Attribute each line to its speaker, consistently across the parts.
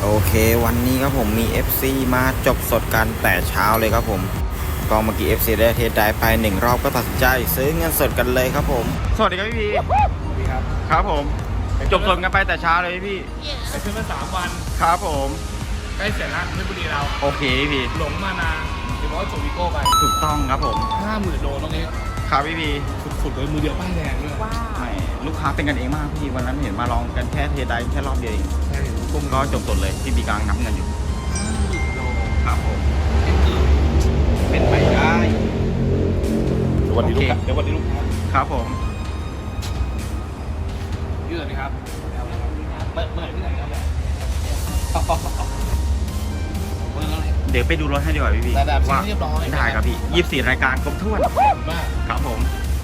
Speaker 1: โอเควันนี้ครับผมมี FC มาจบสดกันแต่เช้าเลยครับผมก็เมื่อกี้ FC ได้เทสได้ไป1รอบก็ตัดสินใจซื้อเงินสดกันเลยครับผมสวัสดีครับพี่พี
Speaker 2: ครับ
Speaker 1: ครับผมจบสดกันไปแต่เช้าเลยพี่
Speaker 2: ไปซื้อมา3 วัน
Speaker 1: ครับผม
Speaker 2: ใกล้เสร็จแล้วเพชรบุรีเรา
Speaker 1: โอเคพี่
Speaker 2: หลงมานาเดี๋ยวบอกว่าโจวิโก้ไป
Speaker 1: ถูกต้องครับผม
Speaker 2: 50,000 โลตรงนี้
Speaker 1: ครับพี่พี
Speaker 2: สุดๆเลยมือเดียวป้ายแดงด้วย
Speaker 1: ไม่ลูกค้าเป็นกันเองมากพี่วันนั้นเห็นมาลองกันแค่เทสได้แค่รอบเดียวเอง
Speaker 2: ใช่
Speaker 1: ก็จบสดเลยพี่บีกำลังนับเงินอยู่
Speaker 2: 50,000 โล
Speaker 1: ครับผม
Speaker 2: เป็นไปได้เดี๋ยววันนี้ลูกค้า
Speaker 1: ครับผม
Speaker 2: ยืดไหมครับเมื่อที่ไหนครับ
Speaker 1: เดี๋ยวไปดูรถให้ดีกว่าพี่
Speaker 2: ว่าเรียบร้อย
Speaker 1: ได้ครับพี่24รายการครบถ้วน
Speaker 2: มาก
Speaker 1: ครับผม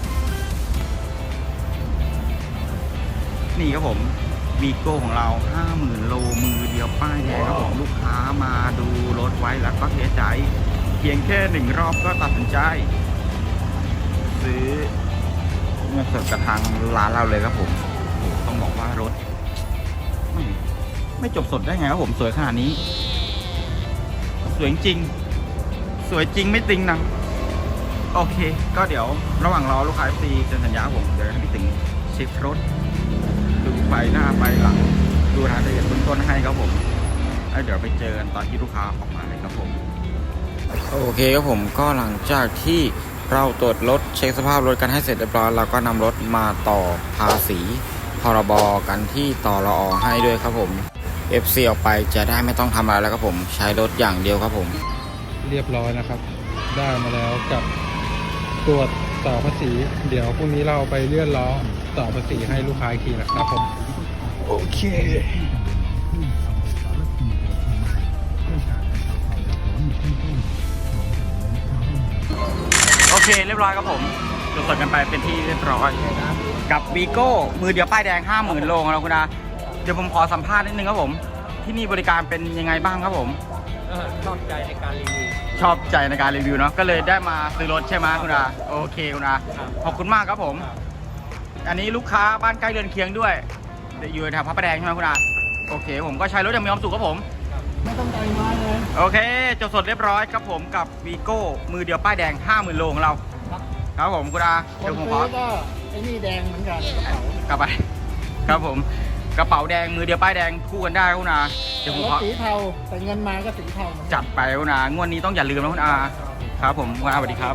Speaker 1: นี่ครับผมวีโก้ของเรา 50,000 โลมือเดียวป้ายแดงครับผมลูกค้ามาดูรถไว้แล้วก็เทใจเพียงแค่1รอบก็ตัดสินใจซื้อเงินสดกับทางร้านเราเลยครับผมต้องบอกว่ารถไม่จบสดได้ไงครับผมสวยขนาดนี้สวยจริงสวยจริงไม่จริงนะโอเคก็เดี๋ยวระหว่างรอลูกค้าฟรีเซ็นสัญญาผมเดี๋ยวให้พี่ถึงเช็ครถดูไฟหน้าไฟหลังดูรายละเอียดเบื้องต้นให้ครับผมแล้วเดี๋ยวไปเจอกันตอนที่ลูกค้าออกมาเลยครับผมโอเคครับผมก็หลังจากที่เราตรวจรถเช็คสภาพรถกันให้เสร็จเรียบร้อยเราก็นำรถมาต่อภาษีพรบกันที่ต่อรอให้ด้วยครับผม FC ออกไปจะได้ไม่ต้องทำอะไรแล้วครับผมใช้รถอย่างเดียวครับผม
Speaker 3: เรียบร้อยนะครับได้มาแล้วกับตรวจต่อภาษีเดี๋ยวพรุ่งนี้เราไปเลื่อนล้อต่อภาษีให้ลูกค้าอีกทีนะครับผม
Speaker 1: โอเคโอเคเรียบร้อยครับผมตรวจสอบกันไปเป็นที่เรียบร้อยกับวีโก้มือเดียวป้ายแดง 50,000 โลของเราคุณอาเดี๋ยวผมขอสัมภาษณ์นิดนึงครับผมที่นี่บริการเป็นยังไงบ้างครับผม
Speaker 2: ชอบใจในการรีวิว
Speaker 1: ชอบใจในการรีวิวเนาะก็เลยได้มาซื้อรถใช่ไหมคุณอาโอเคคุณอาขอบคุณมากครับผมอันนี้ลูกค้าบ้านใกล้เรือนเคียงด้วยอยู่แถวพระประแดงใช่ไหมคุณอาโอเคผมก็ใช้รถอย่างมีความสุขครับผม
Speaker 2: ไม่ต้องใจมากเลย
Speaker 1: โอเคจบสดเรียบร้อยครับผมกับวีโก้มือเดียวป้ายแดง 50,000 โลของเราครับผมคุณอา
Speaker 2: เดี๋ยวผมขอก็ไอ้นี่แดงเหมือนกัน
Speaker 1: กลับไปครับผมกระเป๋าแดงมือเดียวป้ายแดงคู่กันได้คุณอา
Speaker 2: เดี๋ยวผมขอสีเทาแต่เงินมาก็สีเทา
Speaker 1: จัดไปคุณอางวดนี้ต้องอย่าลืมนะคุณอาครับผมคุณอาสวัสดีครับ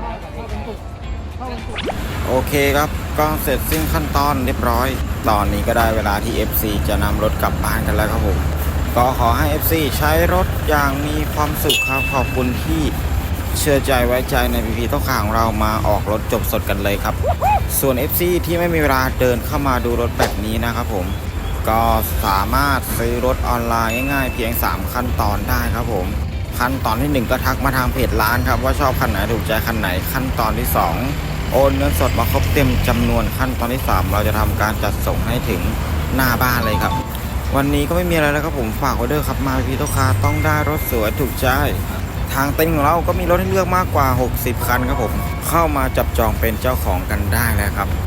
Speaker 1: โอเคครับก็เสร็จสิ้นขั้นตอนเรียบร้อยตอนนี้ก็ได้เวลาที่ FC จะนำรถกลับบ้านกันแล้วครับผมก็ขอให้ FC ใช้รถอย่างมีความสุขครับขอบคุณที่เชื่อใจไว้ใจในพีพีต้องข่าวของเรามาออกรถจบสดกันเลยครับส่วน FC ที่ไม่มีเวลาเดินเข้ามาดูรถแบบนี้นะครับผมก็สามารถซื้อรถออนไลน์ง่ายๆเพียง3ขั้นตอนได้ครับผมขั้นตอนที่1ก็ทักมาทางเพจร้านครับว่าชอบคันไหนถูกใจคันไหนขั้นตอนที่2โอนเงินสดมาครบเต็มจำนวนขั้นตอนที่3เราจะทำการจัดส่งให้ถึงหน้าบ้านเลยครับวันนี้ก็ไม่มีอะไรแล้วครับผมฝากไว้ด้วยครับมาพีโตคาต้องได้รถสวยถูกใจทางเต็นท์ของเราก็มีรถให้เลือกมากกว่า60คันครับผมเข้ามาจับจองเป็นเจ้าของกันได้แล้วครับ